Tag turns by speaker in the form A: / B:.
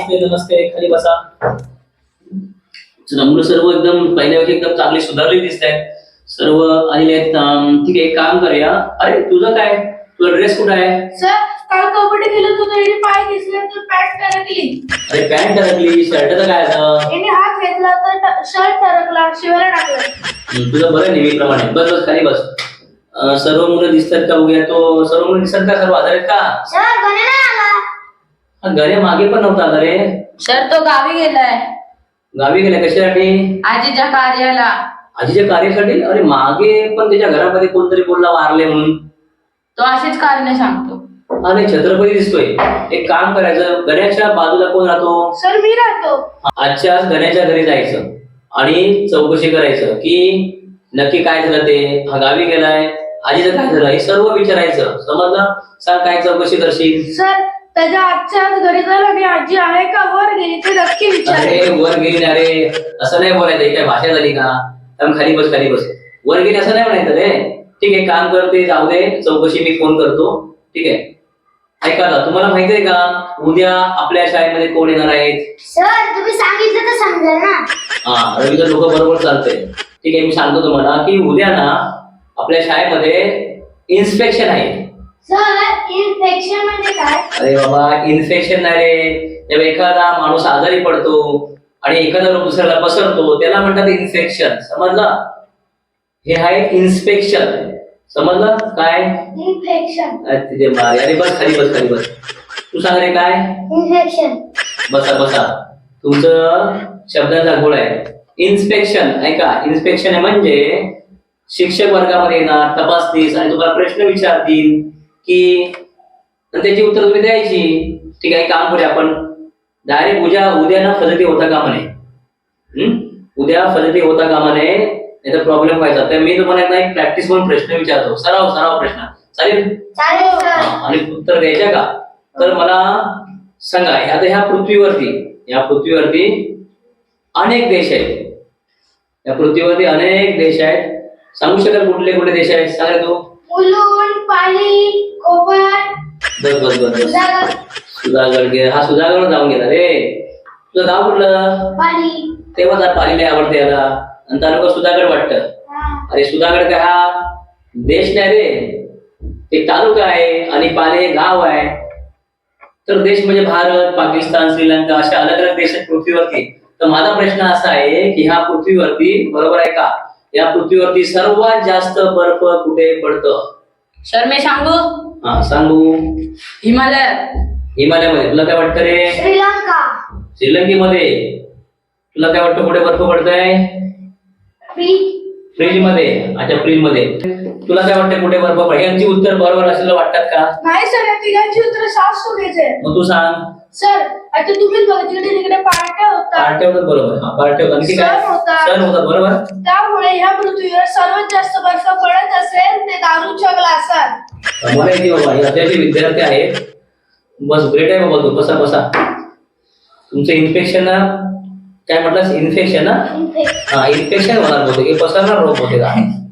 A: नमस्ते नमस्ते, खाली बसा. मुलं सर्व एकदम पहिल्यापेक्षा एकदम चांगली सुधारली दिसत आहेत. सर्व आलेले आहेत. ठीक आहे, एक काम करूया. अरे तुझं काय, तुझा ड्रेस कुठं आहे?
B: सर काल कबड्डी खेळत होतो आणि पाय दिसले तर पॅन्ट टरकली.
A: अरे पॅन्ट टरकली, शर्टचं काय झालं?
B: याने हात घेतला तर शर्ट टरकला, शिवायला टाकलं.
A: तुझं बरं नेहमीप्रमाणे. बस बस खाली बस. सर्व मुलं दिसतात का बघूया. तो सर्व मुलं दिसतात का? सर्व आधार आहेत का?
B: सर गणे नाही आला.
A: घरे मागे पण नव्हता आला रे.
C: सर तो गावी गेलाय,
A: गावी गेला कशासाठी?
C: आजीच्या कार्याला.
A: आजीच्या कार्यासाठी? अरे मागे पण त्याच्या घरामध्ये कोणतरी बोलला वारले म्हणून.
C: तो असेच कारण सांगतो.
A: अरे छत्रपती दिसतोय. एक काम करायचं, गण्याच्या बाजूला कोण राहतो?
B: सर मी राहतो.
A: आजच्या आज गण्याच्या घरी जायचं आणि चौकशी करायचं की नक्की काय झालं ते. हा गावी गेलाय, आजीचं काय झालं हे सर्व विचारायचं. समजलं? सांग काय चौकशी करशील?
B: सर त्याच्या आजच्याच घरी जाईल आणि आजी आहे का वर गेली ते नक्की विचार.
A: अरे वर गेली. अरे असं नाही बोलायचं. ही काय भाषा झाली का? त्यामुळे खाली बस खाली बस. वर गेली असं नाही म्हणायचं रे. ठीक आहे, काम करते, जाऊ दे, चौकशी मी फोन करतो. ठीक आहे, ऐका ना, तुम्हाला माहिती आहे का उद्या आपल्या शाळेमध्ये कोण येणार आहेत?
B: सर तुम्ही सांगितलं तर समजेल ना.
A: हा, रवींद्र लोक बरोबर चालते. ठीक आहे, मी सांगतो तुम्हाला की उद्या ना आपल्या शाळेमध्ये इन्स्पेक्शन आहे.
B: सर इन्फेक्शन म्हणजे काय?
A: अरे बाबा, इन्फेक्शन नाही रे. जेव्हा एखादा माणूस आजारी पडतो आणि एखादा रोग दुसऱ्याला पसरतो त्याला म्हणतात इन्फेक्शन. समजलं? हे आहे इन्स्पेक्शन. समजलं काय?
B: इन्फेक्शन.
A: तिथे अरे बस खाली बस खाली बस. तू सांग रे काय?
B: इन्फेक्शन.
A: बसा बसा. तुमचं शब्दांचा गोळ आहे. इन्स्पेक्शन ऐका, इन्स्पेक्शन म्हणजे शिक्षक वर्गामध्ये येणार, तपासतील आणि तुम्हाला प्रश्न विचारतील की त्याची उत्तर तुम्ही द्यायची. ठीक आहे, काम करूया आपण डायरेक्ट उद्या ना फजिती होता कामा नये. उद्या फजिती होता कामा नये, नाही तर प्रॉब्लेम व्हायचा. तर मी तुम्हाला एक प्रॅक्टिस म्हणून प्रश्न विचारतो. सराव प्रश्न. चालेल?
B: चालेल सर.
A: आणि उत्तर द्यायच्या का? तर मला सांगा, आता ह्या पृथ्वीवरती अनेक देश आहेत. या पृथ्वीवरती अनेक देश आहेत. सांगू शकाल कुठले कुठले देश आहेत? सांगा तू.
B: मुलुंड, पाली, कोपर.
A: बस बस बस बस. सुधागड गेला. हा सुधागड जाऊन गेला रे. तुझं गाव कुठलं?
B: पाली.
A: तेव्हा पालीला आवडते याला आणि तालुका सुधागड वाटतं. अरे सुधागड काय हा देश नाही रे, एक तालुका आहे आणि पाली गाव आहे. तर देश म्हणजे भारत, पाकिस्तान, श्रीलंका अशा अलग अलग देश आहेत पृथ्वीवरती. तर माझा प्रश्न असा आहे की ह्या पृथ्वीवरती, बरोबर आहे का, या पृथ्वीवरती सर्वात जास्त बर्फ कुठे पडतं?
C: सर मी सांगू?
A: हा सांगू.
C: हिमालयात.
A: हिमालयामध्ये. तुला काय वाटतं रे?
B: श्रीलंका.
A: श्रीलंकेमध्ये. तुला काय वाटतं कुठे बर्फ पडतंय? फ्रीज मध्ये. अच्छा, फ्रीज मध्ये. तुला काय वाटतं कुठे बर्फ पडतं? यांची उत्तर बरोबर असलेलं वाटतात का?
B: नाही सर, या तिघांची उत्तर साफ चुकीचे.
A: मग तू सांग.
B: सर आता तुम्हीच बघितलं तिकडे पार्ट्या होता.
A: पार्ट्या होतात, बरोबर. हा पार्ट्या होतात. आणखी काय?
B: सण होता.
A: सण होतात, बरोबर.
B: त्यामुळे ह्या पृथ्वीवर सर्वात जास्त बर्फ पडत असेल ते दारूच्या ग्लासात.
A: मला येते बाबा, हे अत्याचे विद्यार्थी आहेत. बस ग्रेट आहे बाबा तू. बसा बसा. तुमचं इन्फेक्शन काय म्हटलं? इन्फेक्शन ना? हा, इन्फेक्शन होणार होते की पसरणार रोग होते का?